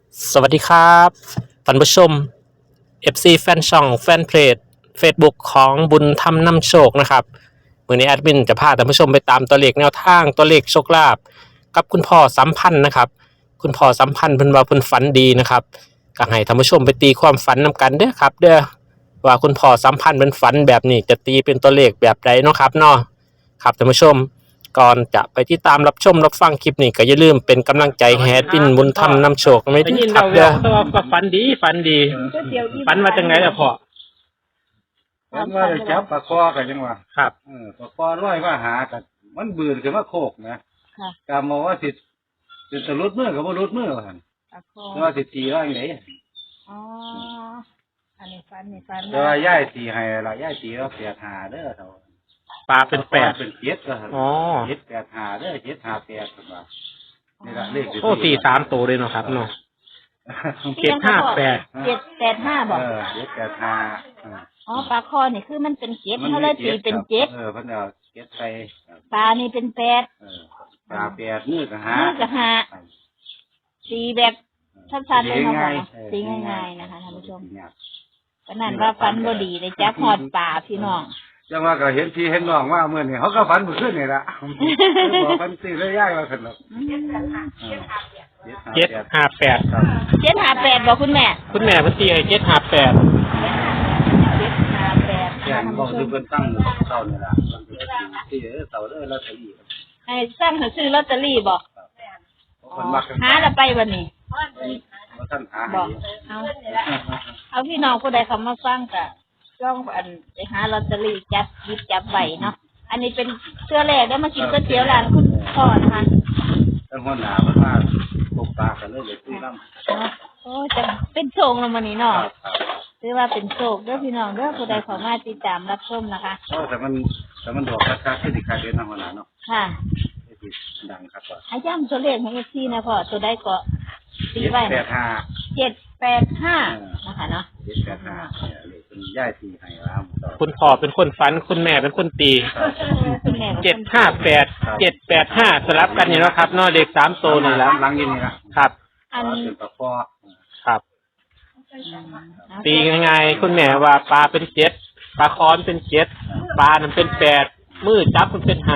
สวัสดีครับท่านผู้ชม FC แฟนช่องแฟนเพจ Facebook ของบุญธรรมนำโชคนะครับวันนี้แอดมินจะพาท่านผู้ชมไปตามตัวเลขแนวทางตัวเลขโชคลาภกับคุณพ่อสัมพันธ์นะครับคุณพ่อสัมพันธ์เพิ่นว่าเพิ่นฝันดีนะครับก็ให้ท่านผู้ชมไปตีความฝันนำกันเด้อครับเด้อว่าคุณพ่อสัมพันธ์เป็นฝันแบบนี้จะตีเป็นตัวเลขแบบใดเนาะครับเนาะครับท่านผู้ชม ก่อนจะไปที่ตามรับชมรับฟังคลิปนี้ก็อย่าลืมเป็นกำลังใจให้แอดมินบุญธรรมนำโชคไม่ได้ทิ้ยินงครัเราบเดีเด้ยอวก็ฝันดีฝันว่าจังไงล่ะพ่อมันว่าได้จับปลาคอกันจังหวะครับปลาคอร้อยว่าหากันมันบืนขึ้นมาโคกนะค่ะกามองว่าสิจะรุดมือกับว่ารุดมือกันตะโคแต่ว่าสิตีว่าอย่างไรอ๋อ อันนี้ฟันแต่ว่าย่ายตีให้ละย่ายตีแล้วเสียหาเด้อเท่าปลาเป็นแปดเป็นเจ็ดก็อ๋อเจ็ดแปดหาเด้อเจ็ดหาแปดกันว่านี่ละเลขโอ้ตีสามตัวเลยเนาะครับเนาะ 758 785บอกเจ็ดแปดหาอ๋อปลาคอนี่คือมันเป็นเจ็ดเขาเลยตีเป็นเจ็ดเพิ่นเอาเจ็ดไปปลานี่เป็นแปดปลาแปดมือกับหามือกับหาตีแบบสั้นๆเลยเนาะพ่อเนาะตีง่ายๆนะคะท่านผู้ชมก็นั่นว่าฟันบ่ดีเลยจับหอดป่าพี่น้องจังว่าก็เห็นพี่เห็นน้องว่าเมื่อนี่เขาก็ฝันเมื่อคืนนี่ละบอกฝันตีเลยย่ายว่าสนุก 758 758บอกคุณแม่คุณแม่เพิ่นตีให้758 758 แย่งบอกที่เพิ่นตั้งเต่านี่ละที่เต่าเลยแล้วตีไอ้สร้างเขาซื้อลอตเตอรี่บอกคนมักหาแล้วไปวันนี้ว่าท่านหาบอกเอาพี่น้องผู้ใดเขามาฟังกะจ้องอันไปหาลอตเตอรี่จับหยิบจับใบเนาะอันนี้เป็นเสื้อแรกได้มากินก๋วยเตี๋ยวร้านคุณพ่อนะคะตั้งหัวหน้ามันมาปกปากกันเลยคุยน้ำเนาะโอ้จะเป็นโชคแล้ววันนี้เนาะถือว่าเป็นโชคเด้อพี่น้องเด้อผู้ใดเขามาติดตามรับชมนะคะแต่มันดอกราคาที่ดีค่าเดินทางหัวหน้าเนาะค่ะดังครับว่าอาย้ำตัวเลขของเอฟซีนะพ่อตัวใดก็ตีไว้ 785นะคะเนาะ 785เลยเป็นย่ายตีให้แล้วคุณพ่อเป็นคนฝันคุณแม่เป็นคนตีคุณแม่ 758 785สลับกันนี่เนาะครับเนาะเลข3ตัวนี่แหละหลังยินนี่ละครับอันเป็นตะคอครับ ตีง่ายๆคุณแม่ว่าปลาเป็น7ปลาคอนเป็น7ปลานั้นเป็น8มือจับมันเป็น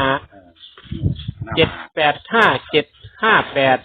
5 785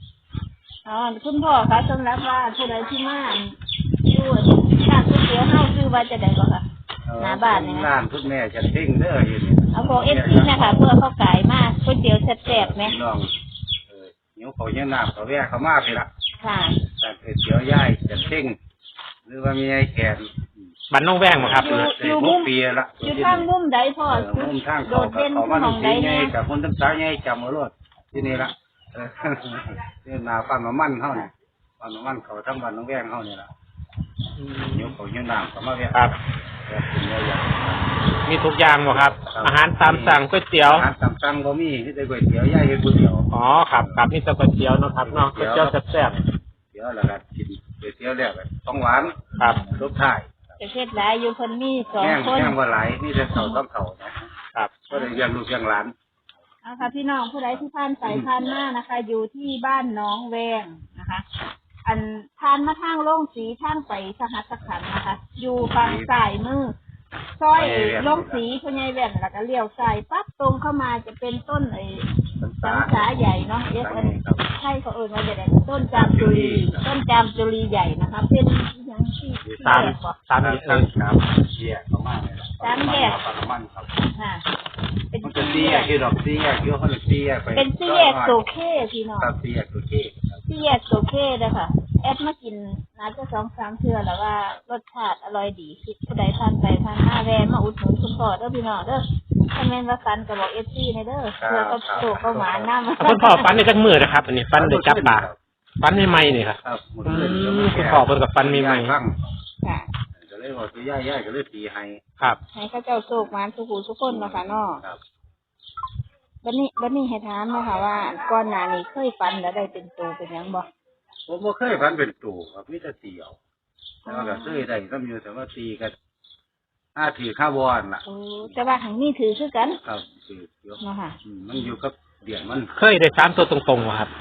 758 อ๋อคุณพ่อคะสำหรับว่าผู้ใดที่มาอยู่ร้านก๋วยเตี๋ยวเฮาคือว่าจะได้บ่คะหน้าบ้านเนี่ยร้านทุกแม่จะเท่งเด้ออยู่นี่เอาบอกเอฟซีนะคะเพื่อเขาขายมากก๋วยเตี๋ยวแซ่บๆไหมน้องเหนียวเขาเยี่ยน้ำเขาแวะเขามากเลยล่ะค่ะแต่เตี๋ยวย่ายจะเท่งหรือว่ามีไอ้แขนบันน้องแว้งบ่ครับอยู่มุมปีละอยู่ทางมุมใดพ่อมุมทางโดเขาดเด่นเขามาของสีใดไงเนี่ยกับคนทั้งสายไงจำเอารถที่นี่ละนี่นาปั้นมามั่นเขาเนี่ยปั้นมามั่นเขาทั้งวันน้องแว้งเขาเนี่ยละเหนียวเขาเยี่ยน้ำเขามาแวะครับกินเยอะแยะมีทุกอย่างบ่ครับ อาหารตามสั่งก๋วยเตี๋ยวอาหารตามสั่งบ่มีที่ได้ก๋วยเตี๋ยวย่ายเฮ็ดก๋วยเตี๋ยวอ๋อครับครับนี่จะก๋วยเตี๋ยวเนาะครับเนาะก๋วยเตี๋ยวแซ่บเตี๋ยวแล้วก็กินก๋วยเตี๋ยวแล้วก็ต้องหวานๆครับรสท้ายจะเฮ็ดหลายอยู่เพิ่นมี2 แห้งคนแห้งว่าหลายนี่แต่เต่าต้องเต่านะครับ ก็เลยเลี้ยงลูกเลี้ยงหลานเอาค่ะพี่น้องผู้ใดที่ผ่านไปผ่านมานะคะ อยู่ที่บ้านน้องแวงนะคะ อันผ่านมาทางโล่งสีทางไปสหัสขันธ์นะคะ อยู่ฝั่งซ้ายมือซอยโล่งสีพญายแว่นแล้วก็เลี้ยวซ้ายปั๊บตรงเข้ามาจะเป็นต้นสังสาใหญ่เนาะใช่เขาเอ่ยมาจะได้ต้นจามจุลีใหญ่นะคะ เป็นอย่างที่ตามสามครับเสียประมาณนี้ประมาณครับค่ะเป็นมันจะสี่เสีแยยกที่ดอกเสียที่เขาเสียไปเป็นสี่แยกโซเคพี่น้องครับเสียโอเคสี่แยกโซเคเลยค่ะแอดมากินน่าจะ2-3 เทื่อแล้วว่ารสชาติอร่อยดีคิดผู้ใดผ่านไปผ่านมาแวะมาอุดหนุนคุณพ่อเด้อพี่น้องเด้อถ้าแม่นว่าฟันก็บอกFCในเด้อเพื่อก็โตก็หมานำคุณพ่อฟันในจักมือนะครับ อันนี้ฟันได้จับปลาฟันใหม่ๆนี่ครับครับคุณพ่อเพิ่นกับฟันใหม่ค่ะก็เลยบอกตัย่าก็เลยตีให้ๆครับให้เขาเจ้าโชคหมานทุกผู้ทุกคนเนาะค่ะเนาะครับบัดนี้ให้ถามเนาะค่ะว่าก่อนหน้านี้เคยฟันแล้วได้เป็นตัวเป็นหยังบ่ผมบ่เคยพันเป็นตู่ครับมีแต่เตียวแล้วก็เคยได้ก็มีแต่ว่าตีกันถือข้าวบอนล่ะโอ้แต่ว่าหังนี้ถือคือกันครับถือเดี๋ยวเนาะค่ะมันอยู่กับเดียนมันเคยได้3ตัวตรงๆบ่ครับค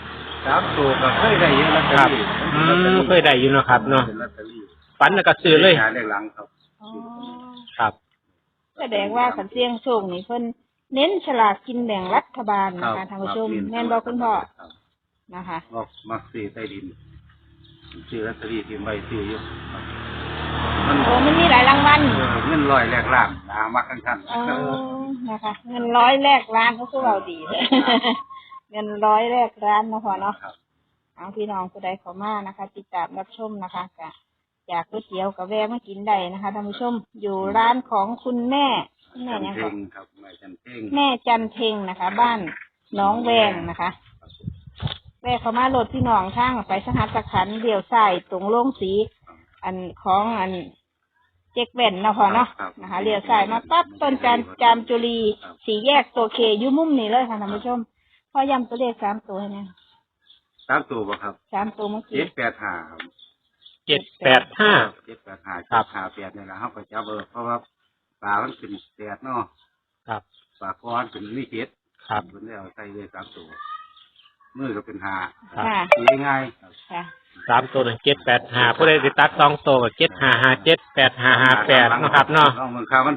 3ตัวก็เคยได้เยอะลอตเตอครับรี่เคยได้อยู่เนาะครับเนาะเป็นลอตเตอรี่ฝันแล้วก็ซื้อเลยหาเลขหลังครับอ๋อครับแสดงว่าขันเสียงโชคนี่เพิ่นเน้นฉลากกินแบ่งรัฐบาลนะคะท่านผู้ชมแม่นบอกคุณพ่อครับนะคะมักซื้อใต้ดินซื้อลอตเตอรี่ที่ใบซื้ออยู่ครับโอ้มันมีหลายรางวัลเงินร้อยแรกล้านมักขั้นอ๋อนะคะ เงินร้อยแรกล้านก็คือเราดีเลย เงินร้อยแรกล้านนะพ่อเนาะครับเอาพี่น้องผู้ใดเข้ามานะคะ ติดตามรับชมนะคะก็อยากก๋วยเตี๋ยวกับแวะมากินได้นะคะท่านผู้ชมอยู่ร้านของคุณแม่แม่จันเนี่ยเพ่ค่ะงครับแม่จันเพ่งแม่จันเพ็งนะคะ บ้านหน้องแวงนะคะแวะเข้ามาโหลดพี่น้องทางไปสหัสขันธ์เดี่ยวใส่ตรงโล่งสี อันของอันเจ๊กแว่นเนาะพอเนาะนะคะเลี้ยวซ้ายมาปั๊บต้นจามจุลีสีแยกตัวเคอยู่มุมนี้เลยค่ะท่านผู้ชมพอย้ำตัวเลข3 ตัวให้เนี่ย 3ตัวบ่ครับ 3 ตัวเมื่อกี้ 785ครับ 785 785 ครับ 758นี่ล่ะเฮาก็จับเพราะว่าปลามันเป็น8เนาะครับปลาก้อนเป็นมี7 ครับเพิ่นได้เอาใส่เลย3ตัวมือก็เป็น5 ครับค่ะตีง่ายครับค่ะ 3 ตัว1 785ผู้ใดสิตัด2ตัวก็7557 8558นะครับเนาะน้องเมืองข้าวมัน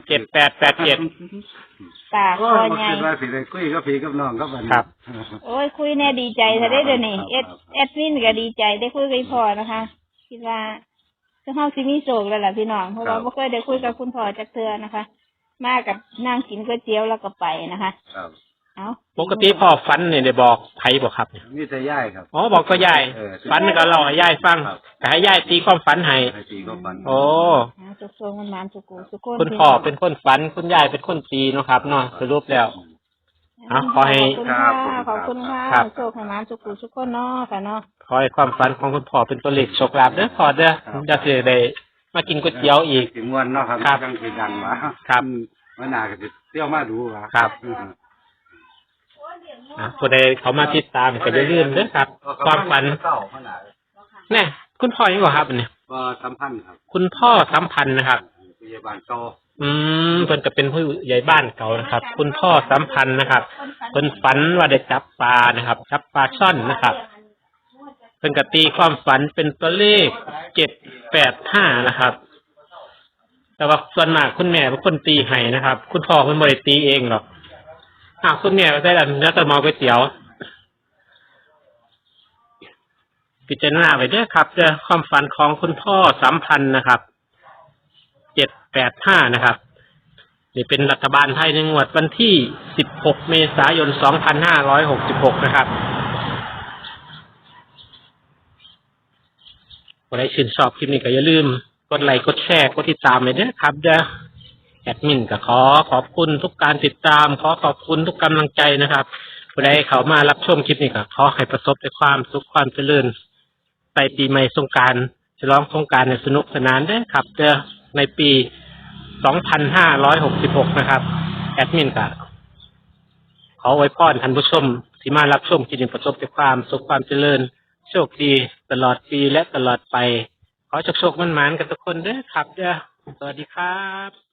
7887 ตาคก็อมาใหญ่คิดว่าสิได้คุยกับพี่กับน้องกับบัดนี้ครับโอ้ยคุยแน่ดีใจซะได้เดี๋ยวนี้แอดมินก็ดีใจได้คุยกับพ่อนะคะ คิดว่าจะเข้าซิมีโศกแล้วล่ะพี่น้องเพราะว่าไม่เคยได้คุยกับคุณพ่อจักเทื่อนะคะ มากับนั่งกินก๋วยเตี๋ยวแล้วก็ไปนะคะครับเอาปกติพ่อฝันเนี่ยได้บอกไผบ่ครับเนี่ยมีแต่ย่ายครับอ๋อบอกก็ยาย ฝันก็เล่าให้ยายฟังครับก็ให้ยายตีความฝันให้ให้ตีก็ฟันโอ้สุกทรงมันสุกูสุกคนคุณพ่อเป็นคนฝันคุณยายเป็นคนตีเนาะครับเนาะสรุปแล้ว ขอให้ขอบคุณค่ะครับโชคให้มันสุกูสุกคนเนาะค่ะเนาะขอให้ความฝันของคุณพ่อเป็นตัวเลขโชคลาภเด้อพ่อเด้อจะสิได้มากินก๋วยเตี๋ยวอีกสิม่วนเนาะครับครับจังสิดังว่าครับมันน่าก็สิเที่ยวมาดูว่าครับ ผู้ใดเขามาติดตามก็อย่าลืมเด้อครับ ความฝันเศร้าขนาดแน่คุณพ่อยังบ่ครับอันนี้ว่าสัมพันธ์ครับคุณพ่อสัมพันธ์นะครับพยาบาลโตเพิ่นก็เป็นผู้ใหญ่บ้านเก่านะครับ คุณพ่อสัมพันธ์นะครับเพิ่นฝันว่าได้จับปลานะครับ จับปลาช่อนนะครับเพิ่นก็ตีความฝันเป็นตัวเลข785นะครับ แต่ว่าส่วนมากคุณแม่เป็นคนตีให้นะครับ คุณพ่อเพิ่นบ่ได้ตีเองหรอกคุณแม่ก็ได้แล้วเนื้อตะมอก๋วยเตี๋ยวพิจารณาไว้เด้อครับเด้อความฝันของคุณพ่อสัมพันธ์นะครับ785นะครับนี่เป็นรัฐบาลไทยในงวดวันที่16 เมษายน 2566นะครับใครชื่นชอบคลิปนี้ก็อย่าลืมกดไลค์กดแชร์กดติดตามเลยเด้อครับเด้อแอดมินก็ขอขอบคุณทุกการติดตามขอขอบคุณทุกกำลังใจนะครับผู้ใดเข้ามารับชมคลิปนี้ก็ขอให้ประสบแต่ความสุขความเจริญใส่ปีใหม่สงกรานต์ฉลองสงกรานต์ในสนุกสนานเด้อครับเด้อในปี 2566 นะครับแอดมินก็ขออวยพรท่านผู้ชมที่มารับชมคลิปนี้ประสบแต่ความสุขความเจริญโชคดีตลอดปีและตลอดไปขอโชคๆมั่นๆกันทุกคนเด้อครับเด้อสวัสดีครับ